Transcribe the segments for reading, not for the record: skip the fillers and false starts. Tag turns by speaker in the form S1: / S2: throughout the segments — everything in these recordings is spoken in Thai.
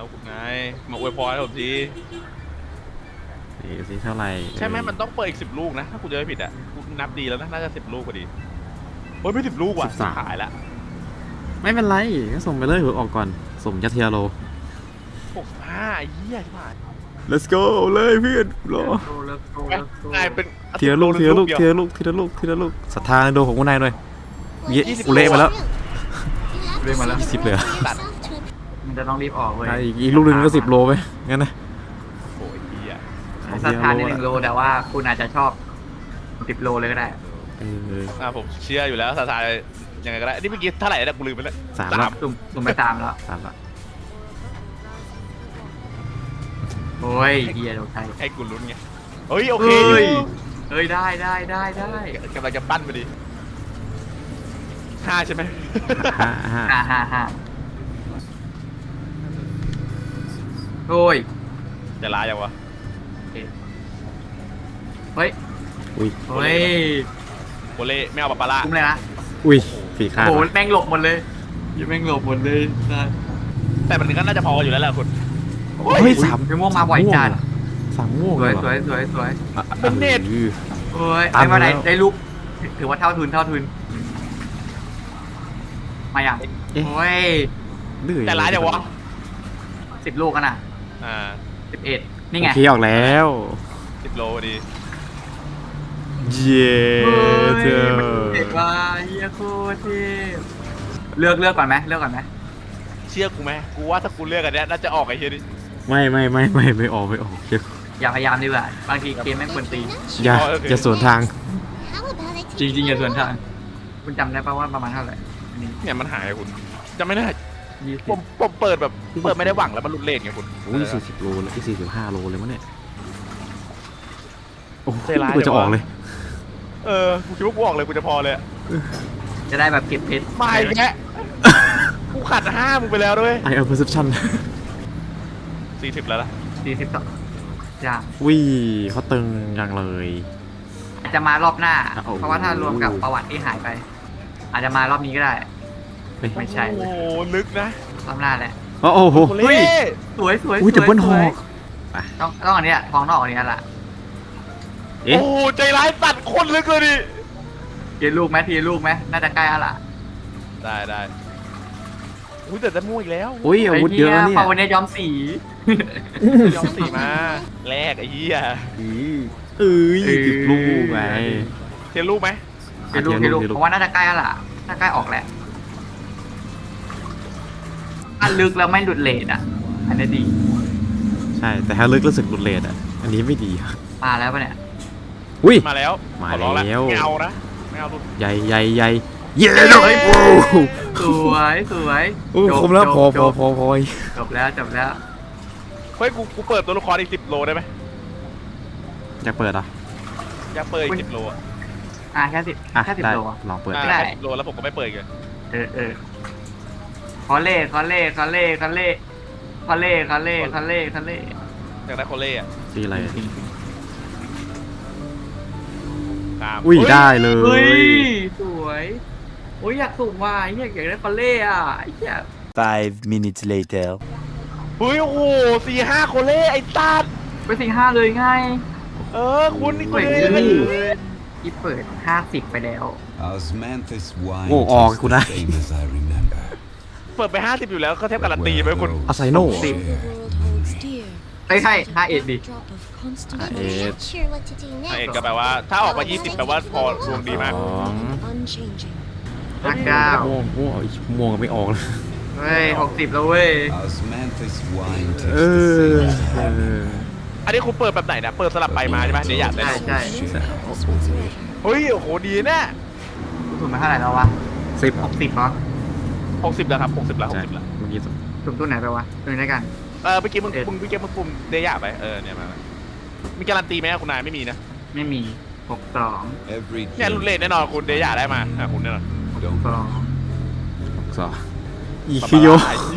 S1: แล้วคุณนายมาอวยพรให้ผมที
S2: นี่สิเท่าไหร่
S1: ใช่ไหมมันต้องเปิดอีก10 ลูกนะถ้ากูจะไม่ผิดอ่ะกูนับดีแล้วนะน่าจะ10 ลูกพอดีเฮ้ยไม่10 ลูกว่ะขายละ
S2: ไม่เป็นไรก็ส่งไปเลยเผื่อออกก่อนส่งยัดเทียโล
S1: 65ไอ้เหี้ยใช่ไหม
S2: let's go เลยเพื่อนรอ
S1: นายเป็น
S2: เทียลูกศรัทธาในโดของคุณนายหน่อยกูเละมาแล้ว20เลย
S1: ตัด
S3: มันจะต้องรีบออกเลย
S2: อีกลูกหนึ่งก็10 โลไปงั้นนะ
S1: โอ้ยเหี้ย
S3: สถานใน1 โลแต่ว่าคุณอาจจะชอบ10 โลเลยก็ได้
S1: ผมเชื่ออยู่แล้วสถานยังไงก็ได้นี่เมื่อกี้เท่าไหร่นะกูลืมไปแล้ว
S2: 3
S3: สุ่มไป3แล้วโอ้ยเฮียโดนใคร
S1: ให้กูลุ้นไงเฮ้ยโอเค
S3: เฮ้ยได้
S1: กำลังจะปั้นพอดี5ใช่ไหม
S3: 5โอ้ย
S1: จะลายังวะ
S3: เฮ้ยโ
S1: เล่ไม่เอาปะปะละ
S3: คุ้มเลยนะ
S2: ฝีขาด
S3: โอ้โหแม่งหลบหมดเลยแม่งหลบหมดเลย
S1: แต่มันก็น่าจะพออยู่แล้วแหละคุณ
S2: เฮ้ย3
S3: ม่วงมาบ่อยจัด
S2: 3ม่วง
S3: สวย
S1: เป็นเน็ต
S3: โอ้ยไอ้มาได้ลูกถือว่าเท่าทุนมาอย่างโอ้ย
S1: แต่ร้ายจังวะ
S3: 10 ลูกกันน่ะ11นี่ไง
S2: ขี่ออกแล้ว
S1: 10 โลดี
S2: เย้
S3: เด็กว่าเฮียโคตรเทพเลือกก่อนไหม
S1: เชื่อกูไหมกูว่าถ้ากูเลือกอันเนี้ยน่าจะออกไอ้เฮียดิ
S2: ไม่ออก
S3: อย่าพยายามดีกว่าบางทีเกมแม่งควรตี
S2: อย่าสวนทาง
S3: จริงอย่าสวนทางคุณจำได้ป่าวว่าประมาณเท่าไหร่
S1: เนี่ยมันหายคุณจำไม่ได้ผมเปิดแบบเปิดไม่ได้หวังแล้วมันหลุดเลนไงคุณ
S2: 40 โลแล้ว45 โลเลยมั้งเนี่ยโอ้โหกูจะออกเลย
S1: กูคิดว่ากูออกเลยกูจะพอเลย
S3: จะได้แบบเก็บเพชร
S1: ไม่แกกูขัด5มึงไปแล้วด้วย
S2: ไอเอา perception
S1: 40แล้วล่ะ
S3: 42อย่าง
S2: เขาตึงอย่างเลย
S3: อาจจะมารอบหน้าเพราะว่าถ้ารวมกับประวัติที่หายไปอาจจะมารอบนี้ก็ได้ไม่ใช่
S1: โอ้ลึกนะ
S3: รอบหน้าแหละ
S2: โอ้โห
S3: สวย
S2: แต่เบิ้ลหอก
S3: ต้องอันนี้ทองนอกอันนี้แหละ
S1: โอ้ใจร้ายตัดคนลึกเลยดิ
S3: ทีลูกไหมน่าจะใกล้แล้วล่ะ
S1: ได้แต่จะมู่อีกแล้ว
S2: อาวุธเยอะเนี่ย
S3: พอวันนี้ย้อมสี
S1: มาแลกไอ้เหี้ย
S2: 10 ลูกไง
S1: เทียนลูกไหม
S3: เทียนลูกเพราะว่าน่าจะใกล้แล้วล่ะน่าใกล้ออกแหละถ้าลึกแล้วไม่หลุดเลทอ่ะอันนี้ดี
S2: ใช่แต่ถ้าลึกรู้สึกหลุดเลทอ่ะอันนี้ไม่ดี
S3: มาแล้วปะเนี่ย
S1: มาแล้วไม่เอานะไม่เอาลูก
S2: ใหญ่เย้เลย
S3: สวย
S2: คมแล้วพอ
S3: จบแล้ว
S1: เฮ้ยกูเปิดตัวละครอีก10 โลได้ไหม
S2: อยากเปิดอ่ะ
S1: อยากเปิดอีก10 โล
S3: แค่10 โล
S2: ลองเปิด
S1: ได้10 โลแล้วผมก็ไม่เปิดเลย
S3: คอเล่อยากได้คอเล่
S1: อะ
S2: สีอะไร
S1: ได้
S2: เลย
S3: สวยอยากสุ่มว่ะอยากได้คอเล่อะ
S4: 5 minutes later
S1: โอ้โห4-5 โคเล่ไอ้ตัด
S3: ไป4-5เลยไง
S1: คุณนี่เ
S3: ปิด50ไปแล้ว
S2: ออกกูได้
S1: เปิดไป50อยู่แล้วก็เทียบการันตีไหมคุณ
S2: อาไซโน่
S3: ใช่5-1ดิ
S1: 5-1ก็แปลว่าถ้าออกมา20แปลว่าพอดวงดีมาก
S3: 59
S2: ม่วงไม่ออกเลย
S3: 60แล้วเว้ย
S1: อันนี้คุณเปิดแบบไหนนะเปิดสลับไปมาใช่ไหมเดี๋ยวอยากได้
S3: ใช่
S1: เฮ้ยโอ้โหดีแน่
S3: สุ่มมาเท่าไหร่แล้ววะ60ป่ะ
S1: 60แล้วครับ60แล้ว
S2: เมื่อกี้
S3: สุ่มตัวไหนไปวะตัวนี้กัน
S1: เมื่อกี้มึงปุ่มเดียไปเนี่ยมามีการันตีไหมคุณนายไม่มีนะ
S3: ไม่มี62
S1: เนี่ยรุ่นเล่นแน่นอนคุณเดียได้มาคุณแน่นอน
S2: 62อีคิโย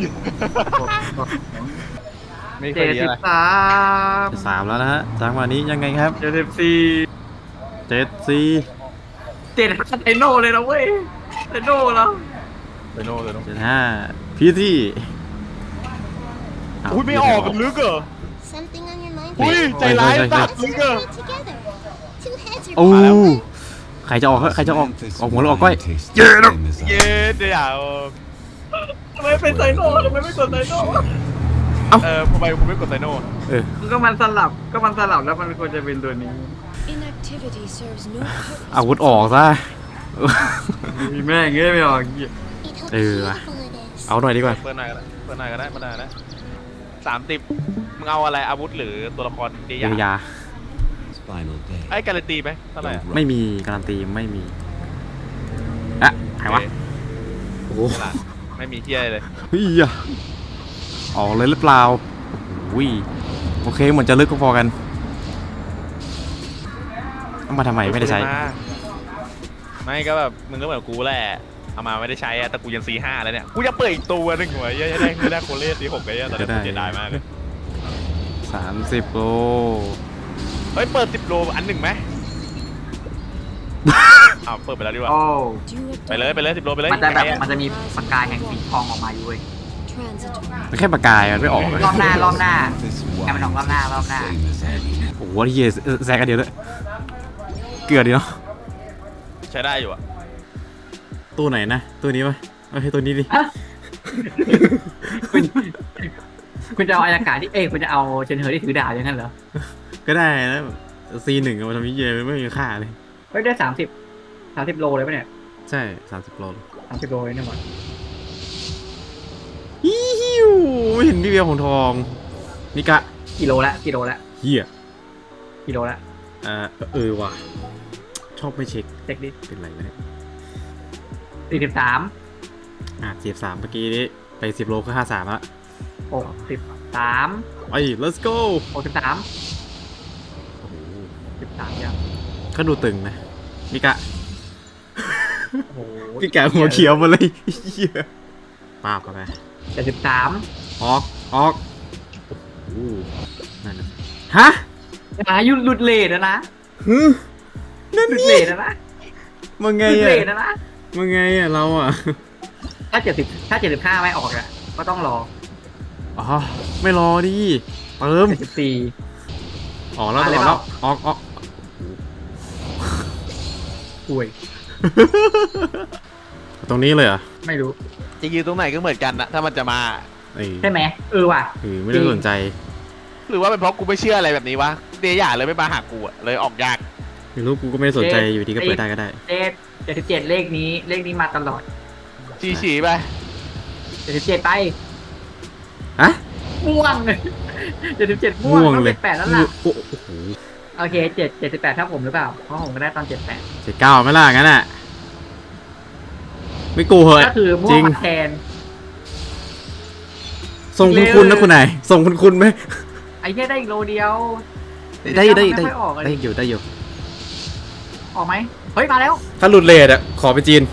S1: ไม่เคยดีอะไร
S2: 3แล้วนะฮะจังหวะนี้ยังไงครับ
S3: 74 ไอโน่เลยนะเว้ยไอโน่แล้ว
S1: ไอโน่เลย
S2: 75พี่ที่
S1: อุ้ยไม่ออกมันลึกเหรอ
S5: Something on your mind?
S1: อุ้ย
S5: Peter?
S1: ใจร้าย
S2: ใช่
S1: ตัด
S5: Let's
S1: ลึกเหรอ
S5: work together. Two heads are
S2: โอ้
S5: better.
S2: ใครจะออกใครจะออกหัวหรือออกก้อย
S1: เย้เดี๋ยวทำไมเป็นไซโน่ทำไมไม่กดไซโน่ทำไมคุณไม่กดไซโน่
S3: ก็มันสลับแล้วมันควรจะเป็นตัวนี้
S5: Inactivity serves no purpose.
S2: อาวุธออกซะ
S3: มีแม่งเงี้ยไม่ออก
S5: It how
S2: Ừ.
S5: painful it is.
S2: เอาหน่อยดีกว่า
S1: เปิดหน่อยก็ได้เปิดหน่อยก็ได้มาได้นะ30มึงเอาอะไรอาวุธหรือตัวละครเดีย
S2: เยียวยา
S1: ไอ้การันตีไหมเท่าไหร่
S2: ไม่มีการันตีไม่มีอะหายวะโอ้โห
S1: ไม่มีเที่ยเลย
S2: เฮียออกเลยหรือเปล่าวิโอเคเหมือนจะลึกก็พอกันเอามาทำไมไม่ได้ใช้
S1: ไม่ก็แบบมึงก็เหมือนกูแหละเอามาไม่ได้ใช้อะแต่กูยัง C5 แล้วเนี่ยกูจะเปิดอีกตัวนึงหัวยังได้โคเล่ C6 ไอ้ตอนนี้กูเสียดายมากเลย
S2: 30 โล
S1: เฮ้ยเปิด10 โลอันหนึ่งไหมอ้าวเปิดไปแล้วดีกว่า
S3: โอ้
S5: Do it
S1: ไปเลย10 โลไปเลย
S3: มันจะแบบมันจะมีปากกาแห่งสีทองออกมาอยู่เว้ย
S5: transitory.
S2: มันแค่ปากกายมันไม่ออกเลย
S3: รอบหน้ให้มันออกรอบหน้า
S2: โอ้โหที่เหี้ยแซกกันเดียวด้วยเกลือดีเนาะ
S1: ใช้ได้อยู่อะ
S2: ตัวไหนนะตัวนี้ปะเอาให้ตัวนี้ดิ
S3: คุณจะเอาอายากาศที่คุณจะเอาเชนเฮอร์ที่ถือดาบอย่างนั้นเหรอ
S2: ก็ได้นะC1มาทำวิจัยไม่มีค่าเลย
S3: เฮ้ยได้30โลเลยปะเนี่ย
S2: ใช่30 โล
S3: 30โลเลยเนี่ยหมด
S2: ฮิวไม่เห็นพี่เบียร์ของทองนี่กะ
S3: กิโลละ
S2: เฮีย
S3: กิโลละ
S2: ว่ะชอบไม่เช็ค
S3: เช็คดิ
S2: เป็นไรนะเนี่ย
S3: 43
S2: เสียบ3เมื่อกี้นี้ไป10 โลก็53ละ
S3: 63
S2: ไป let's go
S3: 63
S2: โอ้โห
S3: 13ยัง
S2: ก็ดูตึงนะนี่กะ
S3: โอ้โห
S2: พี่กะหัวเขียวมาเลยเฮียป้าบเข้าไป
S3: 73
S2: ออกโอ้โหนั่นน่ะฮะ
S3: ยุดหลุดเลทนะ
S2: นั่น
S3: หลุด
S2: นี่
S3: เลทนะ
S2: มึงไง
S3: หลุด
S2: อ่ะ
S3: เลทนะ
S2: มึงไงอ่ะเราอ่ะ
S3: ถ้า75ไม่ออกอ่ะก็ต้องรอ
S2: อ๋อไม่รอดิเติม
S3: 74
S2: ออกแล้ว
S3: อะไร
S2: ออก
S3: เป
S2: แล้
S3: ล่า
S2: วออก
S3: ป่วย
S2: ตรงนี้เลยเหรอ
S3: ไม่รู้
S1: จะยืนตรงไหนก็เหมือนกันนะถ้ามันจะมา
S3: ใช่ไหมว่ะ
S2: ไม่ได้สนใจ
S1: หรือว่าเป็นเพราะกูไม่เชื่ออะไรแบบนี้วะเดียเลยไม่มาหากูอะเลยออกยาก
S2: ไม่รู้กูก็ไม่ได้สนใจอยู่ดีก็เปิดได้ก็ได้
S3: 77เลขนี้มาตลอด
S1: ฉีไป
S3: 77ไป
S2: ฮะ
S3: ม่วง77ม่วงต้องเป็น8แล้วล่ะ
S2: โอ้โห
S3: โอเค78ถ้าผมหรือเปล่าเพราะผมก็ได้ตอน78
S2: 79ไม่ล่ะงั้นอ่ะไม่กูเหอะ
S3: ก็คือม่ว
S2: จริ
S3: ง
S2: ง
S3: มาแทน
S2: ส่งคุณนะคุณนายส่งคุณไหม
S3: ไอ้แค่ได้อีกโลเดียว
S2: ได้
S3: ไม่ค่อยออกเลย
S2: ได้อยู่
S3: ออกไหมเฮ้ยมาแล้ว
S2: ถ้าหลุดเลทอ่ะขอไปจีน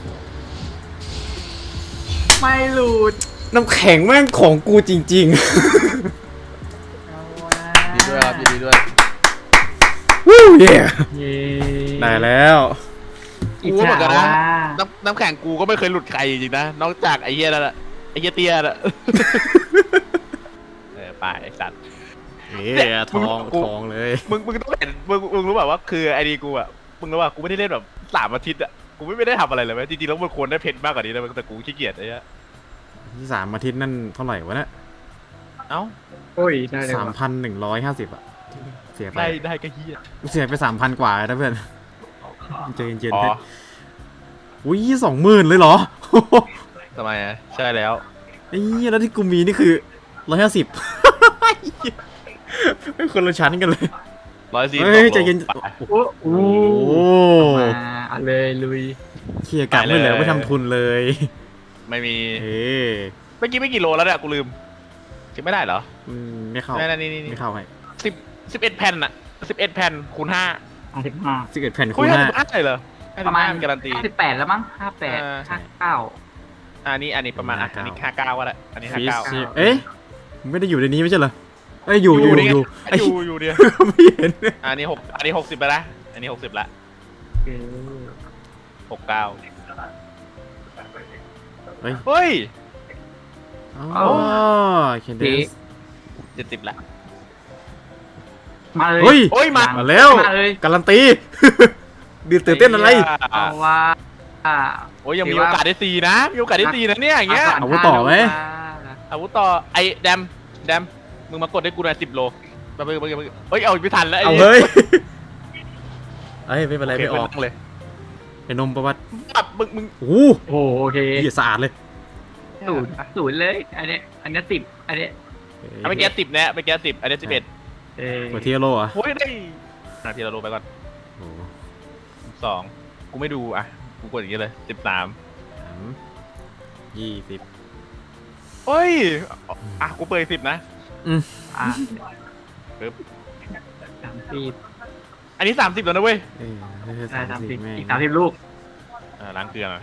S3: ไม่หลุด
S2: น้ำแข็งแม่งของกูจริง
S3: เอาวะ
S1: ดีด้วยครับดีด้วย
S2: ๆวู้เย่
S3: เย้
S2: ได้แล้ว
S3: อิจฉาว่ะ
S1: น้ำแข็งกูก็ไม่เคยหลุดใครจริงๆนะนอกจากไอ้เหี้ยนั่นแหละไอ้เหี้ยเตี้ยน่ะไปไอ้สัตว์
S2: ทองเลย
S1: มึงต้องเห็นมึงรู้แบบว่าคือไอดีกูอะมึงรู้ว่ากูไม่ได้เล่นแบบ3 อาทิตย์อะกูไม่ได้ทำอะไรเลยเว้ยจริงๆแล้วมันควรได้เพนมากกว่านี้นะแต่กูขี้เกียจไอ้เหี้ย
S2: ที่3 อาทิตย์นั่นเท่าไหร่วะเนี่ย
S1: เอ้า
S3: โอ้ยได้เลยว่ะ
S2: 3,150อ่ะเสียไป
S1: ได้ก็เหี้ย
S2: เสียไป 3,000 กว่านะเพื่อนเจอเย็น
S1: อ๋อ
S2: ๆอุ้ย20,000เลยเหรอ
S1: ทำไมอะใช่แล้ว
S2: ไอ้เหี้ยแล้วที่กูมีนี่คือ150เป็นคนละชั้นกันเลย
S1: 140
S2: เฮ้ยใจเย็น
S1: ไป
S3: โอ้โห
S2: โอ้
S3: มาเอาเลยลุย
S2: เคลียร์กลับไม่เหลือไม่ทำทุนเลย
S1: ไม่มี
S2: เอ๊ะ
S1: เมื่อกี้ไม่กี่โลแล้วเนี่ยกูลืมคิดไม่ได้เหรอ
S2: ไม่เข้า
S1: นี่
S2: ไม่เข้าให้
S1: 11 แผ่นอะ11 แผ่นคูณ5
S3: 55
S2: 11 แผ่น
S1: คุ
S2: คู
S1: ย
S2: ณ
S1: 55เลยเหรอ
S3: ประมาณ
S1: 55การันตี
S3: 58แล้วมั้ง58 59
S1: อันนี้ประมาณอันนี้59ก็แหละอันนี้
S2: 5
S1: 59
S2: เอ๊ะไม่ได้อยู่ในนี้ไม่ใช่เหรอเอ้ยอยู่
S1: อยู่เดียว
S2: ไม่เห็น
S1: อันนี้60ไปละอันนี้60ละ69
S2: เฮ้ย
S1: เฮ้ย
S2: อ๋อเคนเดส
S1: 70ละ
S3: มาเลย
S2: เฮ้ย
S1: โอ้ยมา
S2: มาแล้ว
S3: มาเลย
S2: การันตี ดือตื่นเต้นอะไร
S3: เอาว่าอ่า
S1: โอ้ยยังมีโอกาสได้ซีนะมีโอกาสได้ซีนะเนี่ยอย่างเงี้ย
S2: อาวุธต่อไหม
S1: อาวุธต่อไอ้แดมมึงมากดให้กูหน่อย10 โลไปเฮ้ยเอาไม่ทันแล้วไอ้
S2: เอาเฮ้ยเอ้ยไม่เป็นไร
S1: โอเค
S2: ไม่ออก
S1: นั่งเลย
S2: ไอ้นมประวัติ
S1: แบบมึง
S2: โอ้โห
S3: โอ้โหโอเค
S2: เหี้ยสะอาดเลย
S3: ศูนย์เลยอันนี้10อันนี้
S1: เอาไปแก๊ส10เนี่ยไปแก๊ส10อันนี้11
S3: เออ
S2: หัวเทียโลอ่ะ
S1: โอ้ยได้นาทีละโลไปก่อน
S2: โอ้โห
S1: 2กูไม่ดูอ่ะกูกดอย่างนี้เลย13
S2: 20
S1: เฮ้ยอ่ะกูเปิด10นะ
S3: อ่ะ
S1: ปึ๊บ
S3: 30
S1: อันนี้30แล้วนะเว้ย
S2: เอ้ยไม่ใช่
S3: ได้
S2: 30
S3: 30
S2: แม่ง
S3: อีก30ลูก
S1: ล้างเกลือหน่อย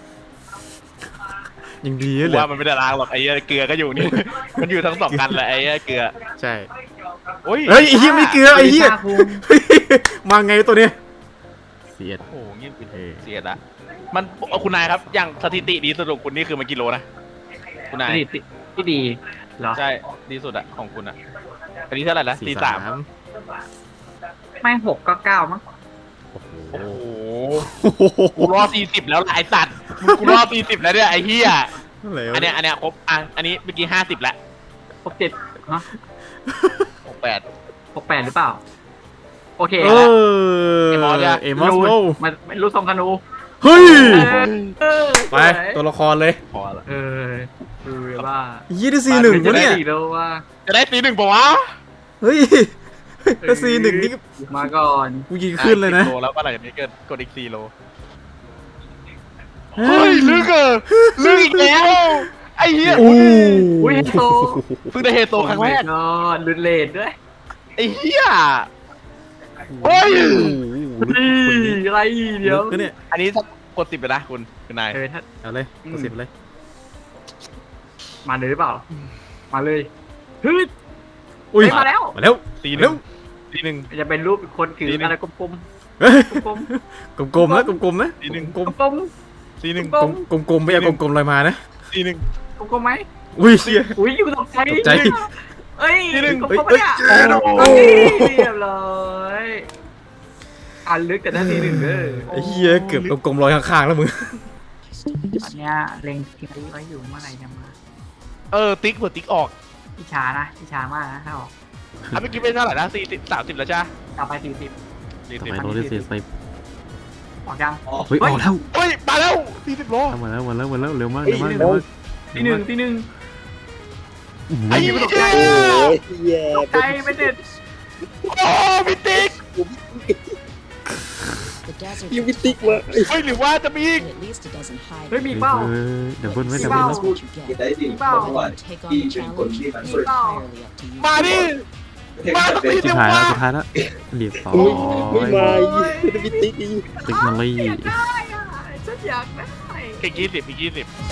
S2: ยังดี
S1: กู
S2: เลย
S1: ว่ามันไม่ได้ล้างหรอกไอ้เกลือก็อยู่นี่ มันอยู่ทั้ง2 กันแหละไอ้เกลือ
S2: ใช่
S1: โอ้ย
S2: เฮ้ยไอ้เหี้ยไม่เกลือไอ้เหี้ยเฮ้ยมาไงตัวเนี้ยเสียด
S1: โอ้โหเงียบ
S2: เออ
S1: เสียละมันคุณนายครับอย่างสถิติดีสุดของคุณนี่คือมันกิโลนะคุณนาย
S3: ที่ดีเหรอ
S1: ใช่ดีสุดอะของคุณอะอันนี้เท่าไหร่ละ43
S3: ไม่6ก็9มั้ง
S2: โอ้โห
S1: โอ้โหกูรอ40แล้วล่ะไอ้สัตว์กูรอ40แล้วเนี่ยไอ้เหี้ย
S2: อะไรวะ
S1: อันเนี้ยครบอันนี้เมื่อกี้50แล้ว
S3: 67ฮะ
S1: 68
S3: 68หรือเปล่าโอเค
S2: เอ
S3: แล้ว
S2: อ
S1: ไอ้มอสอะ
S2: เอมอสโล
S3: มันไม่รู้ทรงธนู
S2: เฮ้ย ไป
S3: สวย
S2: ตัวละครเลย
S1: พอละ
S3: ดูว่า
S2: ยี่ได้C1วะเนี่ย
S3: ดีแล้วว่า
S1: จะได้ตี1ป่าวะ
S2: เฮ้ยถ้าC1นี่
S3: มาก่อน
S2: กูยิงขึ้นเลยนะ
S1: 10 โลแล้วก็หลังจากนี้เกิดกดอีก4 โลเฮ้ยลึกอะลึกอีกแล้วไอ้เหี้ย
S2: อู้
S3: อุ้ยเฮโต
S1: เพิ่งได้เฮโตครั้งแรก
S3: ก็ลุนเลดด้วย
S1: ไอ้เหี้ยเฮ้ย
S3: นี่อะไรเดี๋ยว
S2: ก็เนี่ย
S1: อันนี้ถ้ากด10ไปนะคุณนาย
S3: ถ้า
S2: เอาเลยกด10เลย
S3: มาเลยหรือเปล่า มาเลยเฮ้ย
S2: อุ้ย
S3: มาแล้ว
S2: มาแล้ว
S1: ตี
S2: เร็ว
S1: หนึ่ง
S3: จะเป็นรูปคนถืออะไรกลม
S2: เฮ้ย
S3: ๆกลม
S2: กลมๆนะกลมๆนะ
S1: ตีหนึ่ง
S2: กลม
S3: ๆกลม
S1: ตีหนึ่ง
S3: กลม
S2: ๆกลมๆไม่เอากลมๆลอยมานะ
S1: ตีหนึ่ง
S3: ๆกลมๆไหม
S2: อุ้ยเชี่ย
S3: อุ้ยอยู่ตกใจ
S2: ตกใจ
S3: เอ้ย
S1: ทีหนึ่ง
S3: กลมๆปะเนี่ย
S2: เฮ้ย
S3: โอ้ยเรียบร้อยอันลึกแต่ด้านที่หนึ่งเด้อ
S2: ไอ้เหี้ยเกือบกลมๆลอยข้างๆแล้วมึง
S3: ตอนเนี้ยเล็งทีไว้อยู่เมื่อไหร่จะมา
S1: ติ๊กเผื่อติ๊กออก
S3: พี่ช้านะพี่ช้ามากนะถ้าออก
S1: เมื่อกี้เป็นเท่าไหร่นะ30แล้วจ้า
S3: ต่อไป40
S2: ทำไมโรเลสไป
S3: ออกยัง
S2: เฮ้ยออกแล้ว
S1: เฮ้ยมาแล้ว40 โล
S2: มาแล้วเร็วมากเร็วมากเร็วมาก
S3: ที่หนึ่ง
S1: ไอ้เหี้ย
S3: ตกใจตกใจไม่เด็ด
S1: โอ้พี่ติ๊ก
S5: The desert
S6: ยังไม่ติ๊กวะ
S1: เฮ้ยหรือว่าจะมีอีก
S5: and at least it doesn't hide.
S3: เฮ้ยมีเป้า
S2: ดับเบิ้ลไหม
S3: มี
S2: ดับ
S3: เป้า
S2: เบิ้ล
S5: That's what you
S6: จะ
S5: get.
S6: ได้ดิ
S3: เปล่า
S6: เพราะว่า
S5: Whether you take on
S6: ที่
S5: the
S6: เป็นคน
S5: challenge
S6: ที่
S5: is
S6: มัน
S5: entirely up to you.
S1: มาดิ มาสักที
S2: สุ
S1: เดี
S2: ด
S1: ยว
S2: ท้ายแล้ว
S1: มา
S2: สุดท้ายแล้วเรียบร้อย
S6: ไม่มาไม่ได้มีติ๊กอีก
S2: เทคโนโลยี
S3: ได้อะฉันอยากได้
S1: อีก20